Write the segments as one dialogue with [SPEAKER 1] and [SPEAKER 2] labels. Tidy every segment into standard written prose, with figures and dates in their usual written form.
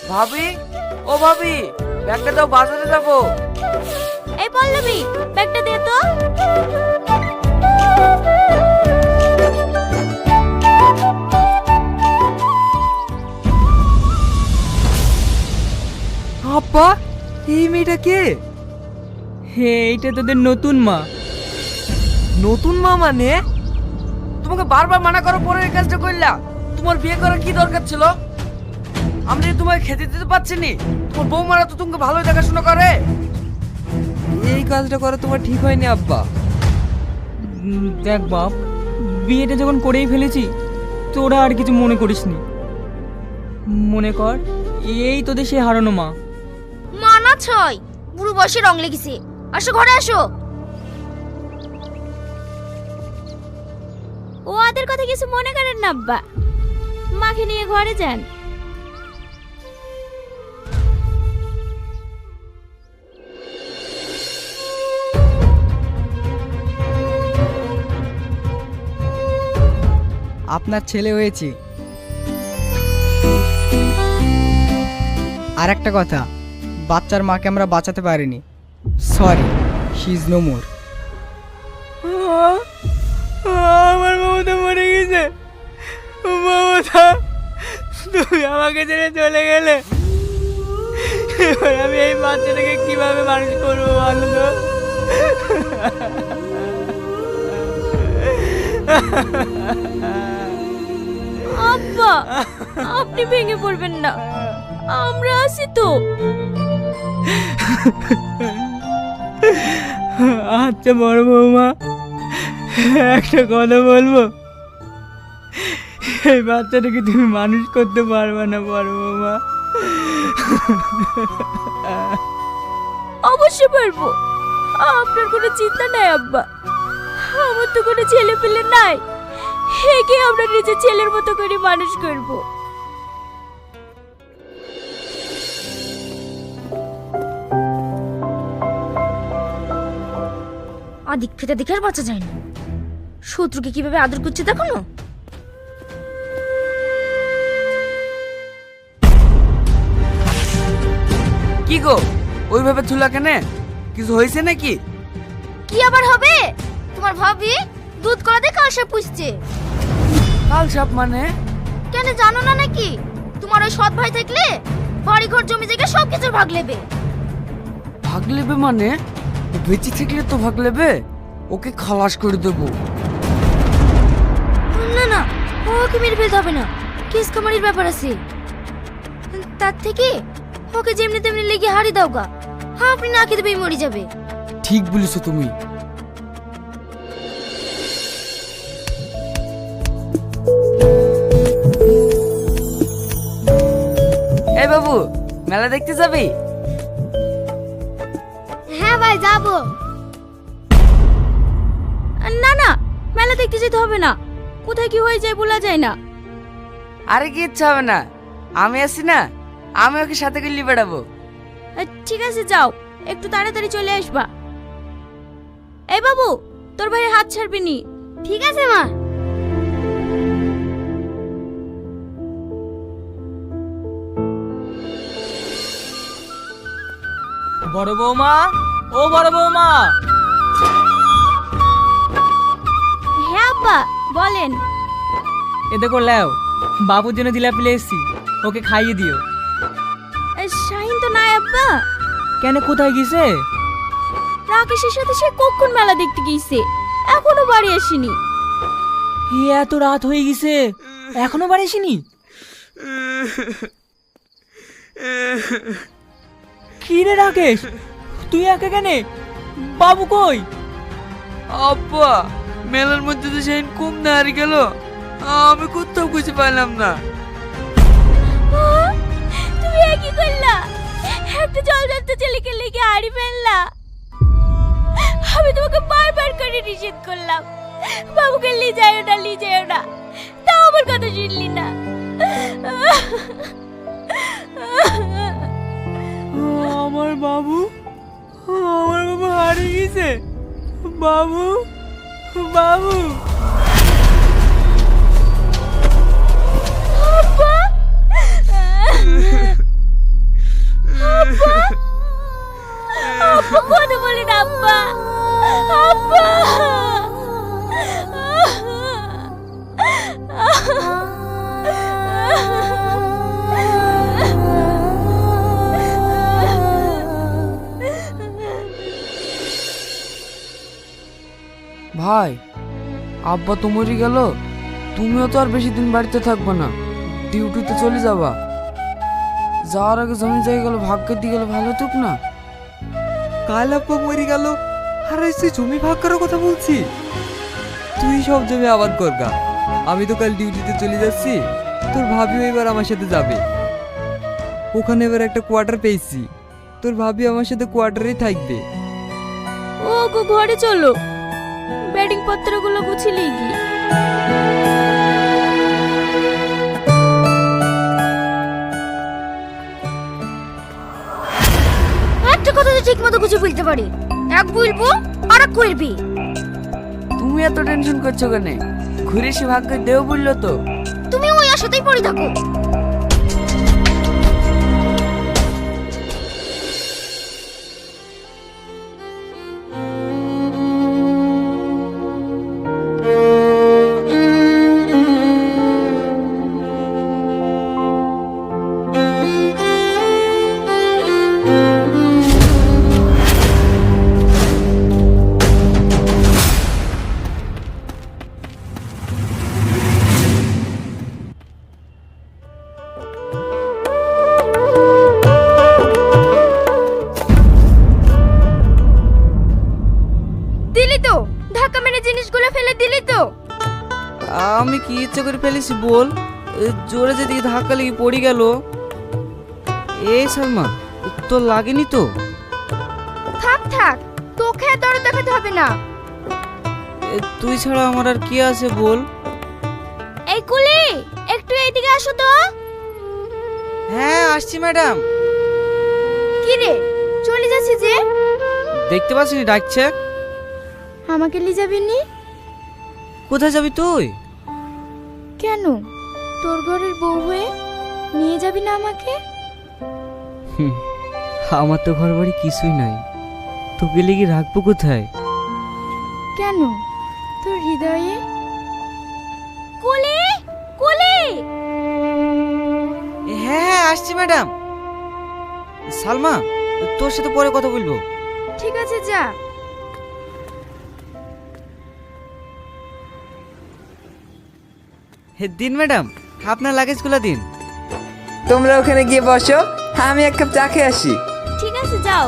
[SPEAKER 1] ভাবি, ও ভাবি, ব্যাগটা দাও, বাজারে যাবো।
[SPEAKER 2] এই পল্লবী, ব্যাগটা দে তো।
[SPEAKER 1] আব্বা, এই মেয়েটা কে?
[SPEAKER 3] হে, এইটা তোদের নতুন মা।
[SPEAKER 1] নতুন মা মানে? তোমাকে বারবার মানা করার পরে এই কাজটা করলা। তোমার বিয়ে করার কি দরকার ছিল? আমি যে তোমাকে খেতে দিতে পারছি নি। তোমার বৌমারা তো তোমাকে ভালোই দেখাশোনা করে। এই কাজটা করা তোমার ঠিক হয়নি আব্বা।
[SPEAKER 3] দেখ বাপ, বিয়েটা যখন করেই ফেলেছি, তোরা আর কিছু মনে করিসনি। মনে কর এই তোদের সে হারানো মা।
[SPEAKER 2] মানা ছয়, বুড়ো বয়সে রং লেগেছে। আসো ঘরে আসো। ও ওদের কথা কিছু মনে করেন না আব্বা, মাকে নিয়ে ঘরে যান।
[SPEAKER 4] আপনার ছেলে হয়েছে। আর একটা কথা, বাচ্চার মাকে আমরা বাঁচাতে পারিনি। Sorry, she is no more.
[SPEAKER 3] আমার মমতা মরে গেছে। মমতা, তুমি আমাকে ছেড়ে চলে গেলে, এবার আমি এই বাচ্চাটাকে কিভাবে মানুষ করবো বলো তো?
[SPEAKER 2] আব্বা, আপনি ভেঙে পড়বেন না, আমরা আছি তো।
[SPEAKER 3] আচ্ছা বড় বৌমা, একটা কথা বলবো। এই বাচ্চাটাকে তুমি মানুষ করতে পারবে না বড় বৌমা।
[SPEAKER 2] অবশ্যই পারবো, আপনার কোনো চিন্তা নাই আব্বা। আমার তো কোনো ছেলে পেলে নাই, একে আমরা নিজের ছেলের মতো করে মানুষ করব। আদিক ফেতে দেখে আর বাঁচা যায় না। শত্রুকে কিভাবে আদর করছে দেখো না।
[SPEAKER 1] কি গো, ওইভাবে ঝুলা কেনে? কিছু হয়েছে নাকি?
[SPEAKER 2] কি আবার হবে? তোমার ভাবি দুধ কলা দিয়ে কাল সাপ পুষছে।
[SPEAKER 1] কাল সাপ মানে?
[SPEAKER 2] কেন জানো না নাকি? তোমার ওই সৎ ভাই থাকলে বাড়ি ঘর জমি জায়গা সব কিছুর ভাগ নেবে।
[SPEAKER 1] ভাগ নেবে মানে? ও বেঁচে থাকলে তো ভাগ নেবে। ওকে খালাস করে দেবো।
[SPEAKER 2] না না, ওকে মেরে ফেলতে হবে না, কেস কামারির ব্যাপার আছে। তার থেকে ওকে যেমনি তেমনি লেগে হারি দাও গা, আপনি না খেতে পেয়ে মরে যাবে।
[SPEAKER 1] ঠিক বলেছো তুমি। এই বাবু, মেলা দেখতে যাবি?
[SPEAKER 2] হ্যাঁ ভাই যাবো। না না, মেলা দেখতে যেতে হবে না, কোথায় কি হয়ে যায় বলা যায় না।
[SPEAKER 1] আরে কি ইচ্ছা হবে না, আমি আছি না, আমি ওকে সাথে করে নিয়ে বেড়াবো।
[SPEAKER 2] ঠিক আছে যাও, একটু তাড়াতাড়ি চলে আসবা। এই বাবু, তোর ভাইয়ের হাত ছাড়বি নি। ঠিক আছে মা।
[SPEAKER 3] বড় বৌমা, ও বড় বৌমা।
[SPEAKER 2] হ্যাঁ আব্বা বলেন।
[SPEAKER 3] এ দেখো লেও, বাবুর জন্য জিলাপি নিয়ে এসেছি, ওকে খাইয়ে দিও।
[SPEAKER 2] শাহিন তো নাই আব্বা।
[SPEAKER 3] কেন, কোথায় গেছে?
[SPEAKER 2] রাকেশের সাথে সে কখন মেলা দেখতে গিয়েছে, এখনো বাড়ি আসেনি।
[SPEAKER 3] এত রাত হয়ে গেছে, এখনো বাড়ি আসেনি? কি রে রাকেশ, তুই একা কেন? বাবু কই?
[SPEAKER 1] আব্বা, মেলার মধ্যে তো সেই কম না হারিয়ে গেল, আমি কোথাও খুঁজে পাইলাম না।
[SPEAKER 2] তুমি কি করলা? একটা জল জলতে ছেলেকে লেগে হারিয়ে ফেললা। আমি তোমাকে বারবার করে নিষেধ করলাম, বাবুকে নিয়ে যাও না, নিয়ে যাও না, তাও আমার কথা শুনলি না।
[SPEAKER 3] আমার বাবু, আমার বাবু হারিয়ে গেছে। বাবু, বাবু।
[SPEAKER 2] আব্বা
[SPEAKER 1] ভাই, আব্বা তো মরে গেল, তুমিও তো আর বেশি দিন বাড়িতে থাকবে না, ডিউটিতে চলে যাবা। যাওয়ার আগে জমি জায়গাগুলো ভাগ্যের দিয়ে গেলে ভালো হতুক না?
[SPEAKER 3] কাল আব্বা মরে গেল আর তুই জমি ভাগ করার কথা বলছি? তুই সব জমি আবাদ করগা, আমি তো কাল ডিউটিতে চলে যাচ্ছি। তোর ভাবিও এবার আমার সাথে যাবে। ওখানে এবার একটা কোয়ার্টার পেয়েছি, তোর ভাবি আমার সাথে কোয়ার্টারেই থাকবে।
[SPEAKER 2] ও গো ঘরে চলো, ব্যাটিং পত্রগুলো গুছিলেই কি। একটা কথা তো ঠিক মতো গুছিয়ে বলতে পারি, এক বলবো আর এক করবি।
[SPEAKER 1] তুমি এত টেনশন করছো কেন? ঘুরে সে ভাগ্য দেও বললো তো।
[SPEAKER 2] তুমি ওই আশাতেই পড়ে থাকো। দিলি তো, ধাক্কা মেরে জিনিসগুলো ফেলে দিলি তো।
[SPEAKER 1] আমি কি ইচ্ছে করে ফেলেছি বল? জোরে যেদিকে ধাক্কা লেগে পড়ে গেল। এই সালমা, তোর লাগেনি তো?
[SPEAKER 2] থাক থাক, তোকে আর দরদ দেখাতে হবে না।
[SPEAKER 1] তুই ছাড়া আমার আর কি আছে বল?
[SPEAKER 2] এই কুলি, একটু এইদিকে আসো তো।
[SPEAKER 1] হ্যাঁ আসছি ম্যাডাম।
[SPEAKER 2] কি রে, চলে যাচ্ছি যে?
[SPEAKER 1] দেখতে পাচ্ছিনি ডাকছে।
[SPEAKER 2] আমাকে নিয়ে যাবি নি?
[SPEAKER 1] কোথায় যাবি তুই?
[SPEAKER 2] কেন, তোর ঘরের বউ হয়ে নিয়ে যাবি না আমাকে?
[SPEAKER 1] আমার তো ঘর বাড়ি কিছুই নাই, তোকে লেগে রাখবো কোথায়?
[SPEAKER 2] কেন, তোর হৃদয়ে? কুলি, কুলি।
[SPEAKER 1] হ্যাঁ হ্যাঁ আসছি ম্যাডাম। সালমা, তোর সাথে পরে কথা বলবো।
[SPEAKER 2] ঠিক আছে যা।
[SPEAKER 1] দিন ম্যাডাম, আপনার লাগেজগুলো দিন।
[SPEAKER 3] তোমরা ওখানে গিয়ে বসো, আমি এক কাপ চা খেয়ে আসি।
[SPEAKER 2] ঠিক আছে যাও।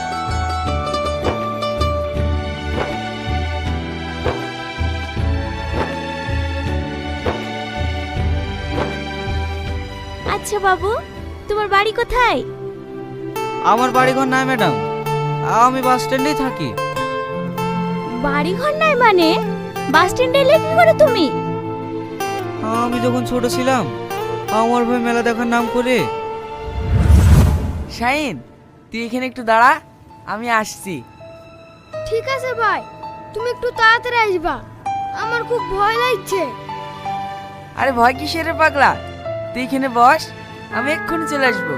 [SPEAKER 2] আচ্ছা বাবু, তোমার বাড়ি কোথায়?
[SPEAKER 1] আমার বাড়ি ঘর নাই ম্যাডাম, আমি বাস স্ট্যান্ডেই থাকি।
[SPEAKER 2] বাড়ি ঘর নাই মানে? বাস স্ট্যান্ডে এলে কি করে তুমি?
[SPEAKER 1] আমি যখন ছোট ছিলাম, আমার ভাই মেলা দেখার নাম করে। শাহিন, তুই এখানে একটু দাঁড়া, আমি আসছি।
[SPEAKER 2] ঠিক আছে ভাই, তুমি একটু তাড়াতাড়ি আসবা, আমার খুব ভয় লাগছে।
[SPEAKER 1] আরে ভয় কিসের রে পাগলা, তুই এখানে বস, আমি এক্ষুনি চলে আসবো।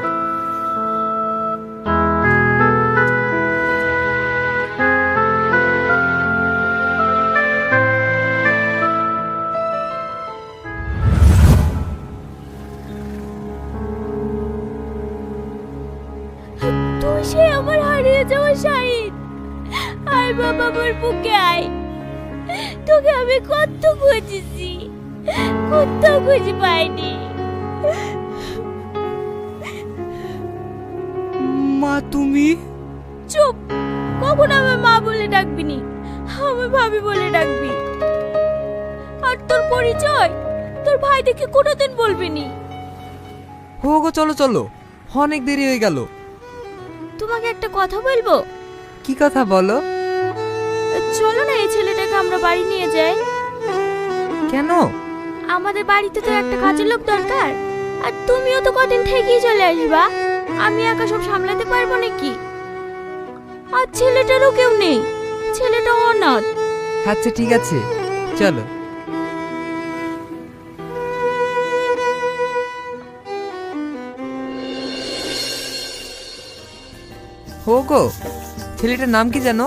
[SPEAKER 2] তুই সে আমার হারিয়ে যাওয়া শাহিন। আয় বাবা, আমার বুকে আয়। তোকে আমি কত খুঁজেছি, কোথাও খুঁজে পাইনি।
[SPEAKER 3] মা তুমি?
[SPEAKER 2] চুপ, কখন আমার মা বলে ডাকবি নি, আমার ভাবি বলে ডাকবি। আর তোর পরিচয় তোর ভাই দেখে কোনোদিন বলবি নি।
[SPEAKER 3] হো গো, চলো চলো, অনেক দেরি হয়ে গেল।
[SPEAKER 2] তোমাকে একটা কথা বলবো।
[SPEAKER 3] কি কথা বলো?
[SPEAKER 2] চলো না, এই ছেলেটাকে আমরা বাড়ি নিয়ে যাই।
[SPEAKER 3] কেন?
[SPEAKER 2] আমাদের বাড়িতে তো একটা কাজের লোক দরকার, আর তুমিও তো কদিন থেকেই চলে আসবা। আমি একা সব সামলাতে পারবো নাকি? আর ছেলেটারও কেউ নেই, ছেলেটা অনাথ।
[SPEAKER 3] আচ্ছা ঠিক আছে, চলো। হো গো, ছেলেটার নাম কি জানো?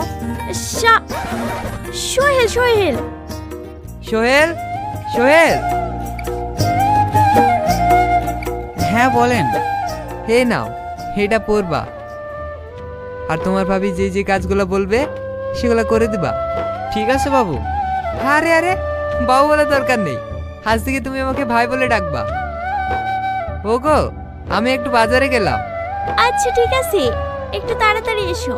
[SPEAKER 2] সোহেল। সোহেল।
[SPEAKER 3] সোহেল। সোহেল,
[SPEAKER 1] হ্যাঁ বলেন।
[SPEAKER 3] হে নাও, এটা পড়বা। আর তোমার ভাবি যে যে কাজগুলো বলবে সেগুলো করে দিবা।
[SPEAKER 1] ঠিক আছে বাবু।
[SPEAKER 3] আরে আরে বাবু বলার দরকার নেই, আজ থেকে তুমি আমাকে ভাই বলে ডাকবা। ওগো, আমি একটু বাজারে গেলাম।
[SPEAKER 2] আচ্ছা ঠিক আছে, একটু তাড়াতাড়ি এসো।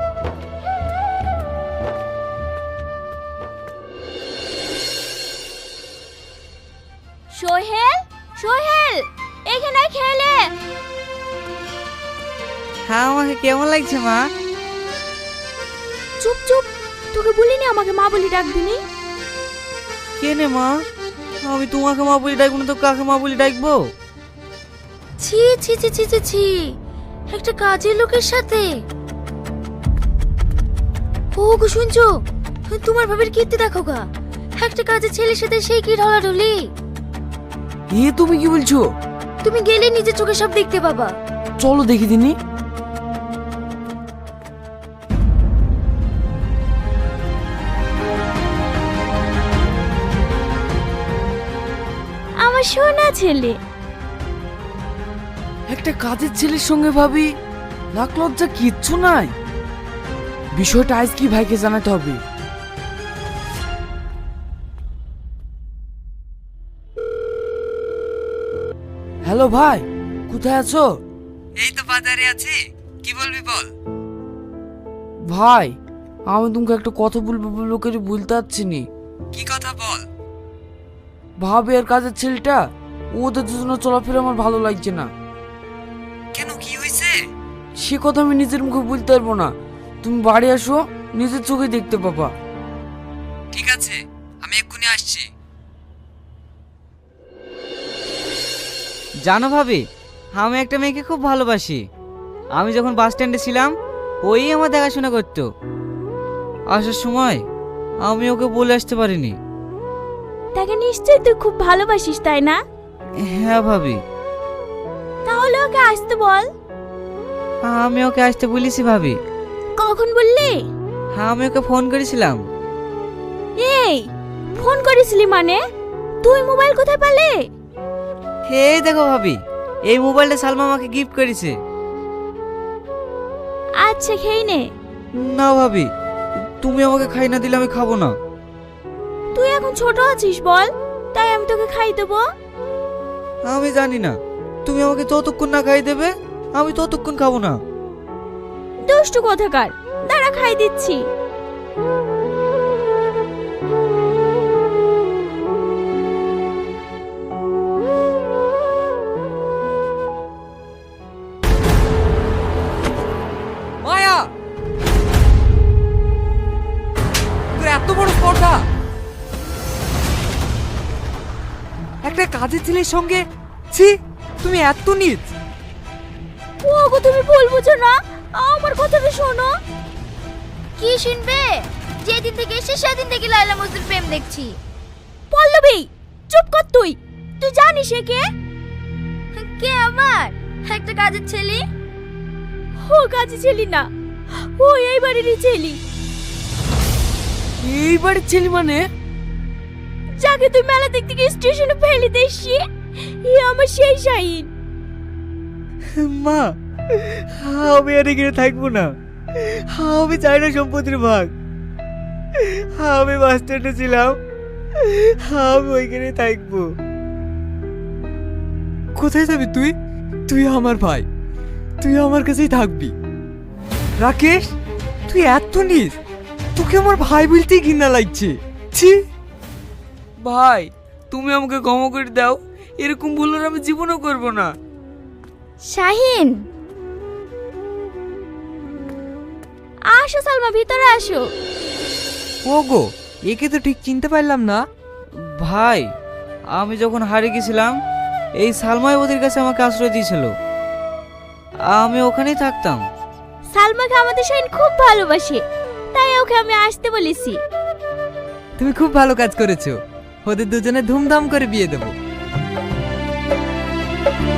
[SPEAKER 2] সোহেল, সোহেল, এখানে খেলে।
[SPEAKER 3] হ্যাঁ, আমাকে কেমন লাগছে মা?
[SPEAKER 2] চুপ চুপ, তোকে বলিনি আমাকে মা বলি ডাকবি নি?
[SPEAKER 3] কেনে মা, আমি তোমাকে মা বলে ডাকবো না তো কাকে মা বলে ডাকবো?
[SPEAKER 2] ছি ছি ছি ছি ছি ছি, একটা কাজের লোকের সাথে। ও গো শুনছো, তোমার ভাবের কীর্তি দেখো গা, একটা কাজের ছেলের সাথে সেই কি ঢলাঢলি।
[SPEAKER 1] এ তুমি কি বলছো?
[SPEAKER 2] তুমি গেলে নিজের চোখে সব দেখতে পাবা।
[SPEAKER 1] চলো দেখি দিনি।
[SPEAKER 2] আমার সোনা ছেলে।
[SPEAKER 1] একটা কাজের ছেলের সঙ্গে ভাবি লাখ লজ্জা কিচ্ছু নাই। বিষয়টা আজ কি ভাইকে জানাতে হবে। হ্যালো ভাই, কোথায় আছো?
[SPEAKER 3] এই তো বাজারে আছি, কি বলবি বল।
[SPEAKER 1] ভাই, আমি তোমাকে একটা কথা বলবো বলবো করে বলতে পারছি নি।
[SPEAKER 3] কি কথা বল।
[SPEAKER 1] ভাবি আর কাজের ছেলেটা, ওদের দুজনে চলাফেরা আমার ভালো লাগছে না।
[SPEAKER 3] কেন, কি হয়েছে?
[SPEAKER 1] সে কথা আমি নিজের মুখে বলতে পারবো না। তুমি বাড়ি আসো, নিজের চোখে দেখতে পাবা।
[SPEAKER 3] ঠিক আছে, আমি এক্ষুনি আসছি। জানো ভাবি, আমি একটা মেয়েকে খুব ভালোবাসি। আমি যখন বাস স্ট্যান্ডে ছিলাম, ওই আমার দেখাশোনা করতো। আসার সময় আমি ওকে বলে আসতে পারিনি।
[SPEAKER 2] তাকে নিশ্চয়ই তুই খুব ভালোবাসিস, তাই না?
[SPEAKER 3] হ্যাঁ ভাবি।
[SPEAKER 2] তাহলে ওকে আসতে বল।
[SPEAKER 3] আমি ওকে আসতে বলেছি ভাবি।
[SPEAKER 2] কখন বললি?
[SPEAKER 3] হ্যাঁ, আমি ওকে ফোন করেছিলাম।
[SPEAKER 2] এই, ফোন করেছিলি মানে? তুই মোবাইল কোথায় পেলে?
[SPEAKER 3] এই দেখো ভাবি, এই মোবাইলটা সালমা আমাকে গিফট করেছে।
[SPEAKER 2] আচ্ছা খেয়ে নে।
[SPEAKER 3] না ভাবি, তুমি আমাকে খাই না দিলে আমি খাবো না।
[SPEAKER 2] তুই এখন ছোট আছিস বল, তাই আমি তোকে খাই দেবো।
[SPEAKER 3] আমি জানি না, তুমি আমাকে যতক্ষণ না খাই দেবে আমি ততক্ষণ খাবো না।
[SPEAKER 2] দুষ্টু কোথাকার, দাঁড়া খাই দিচ্ছি।
[SPEAKER 3] মায়া, তোর এত বড় স্পর্ধা, একটা কাজের ছেলের সঙ্গে। ছি, তুমি এত নীচ।
[SPEAKER 2] ওগো তুমি ভুল বুঝো না, আমার কথাটা শোনো। কি শুনবে? যেদিন থেকে এসে সেদিন থেকে লায়লা মজনুর প্রেম দেখছি। পল্লবী, চুপ কর তুই। তুই জানিস এ কে? কে আমার? একটা কাজের ছেলে। ও কাজের ছেলে না, ও এই বাড়িরই ছেলে।
[SPEAKER 1] এই বাড়ির ছেলে মানে?
[SPEAKER 2] যাকে তুই মেলা দেখতে গিয়ে স্টেশনে ফেলে দিসছি, ই আমার সেই শাহিন।
[SPEAKER 3] মা, আমি আর এখানে থাকবো না। আমি চাই না সম্পত্তির ভাগ। আমি বাস স্ট্যান্ডে ছিলাম, আমি ওইখানে থাকবো। কোথায় যাবি তুই? তুই আমার ভাই, তুই আমার কাছেই থাকবি। রাকেশ, তুই এত নিস, তোকে আমার ভাই বলতেই ঘৃণা লাগছে। ছি।
[SPEAKER 1] ভাই, তুমি আমাকে ক্ষমা করে দাও। এরকম ভুল আর আমি জীবনও করব না।
[SPEAKER 2] শাহিন, আসো সালমা, ভিতরে আসো।
[SPEAKER 3] ওগো, একে তো ঠিক চিনতে পারলাম না। ভাই, আমি যখন হারিয়ে গেছিলাম, এই সালমাই ওদের কাছে আমাকে আশ্রয় দিয়েছিল। আমি ওখানেই থাকতাম।
[SPEAKER 2] সালমাকে আমাদের শাহিন খুব ভালোবাসে, তাই ওকে আমি আসতে বলেছি।
[SPEAKER 3] তুমি খুব ভালো কাজ করেছো। ওদের দুজনে ধুমধাম করে বিয়ে দেবো।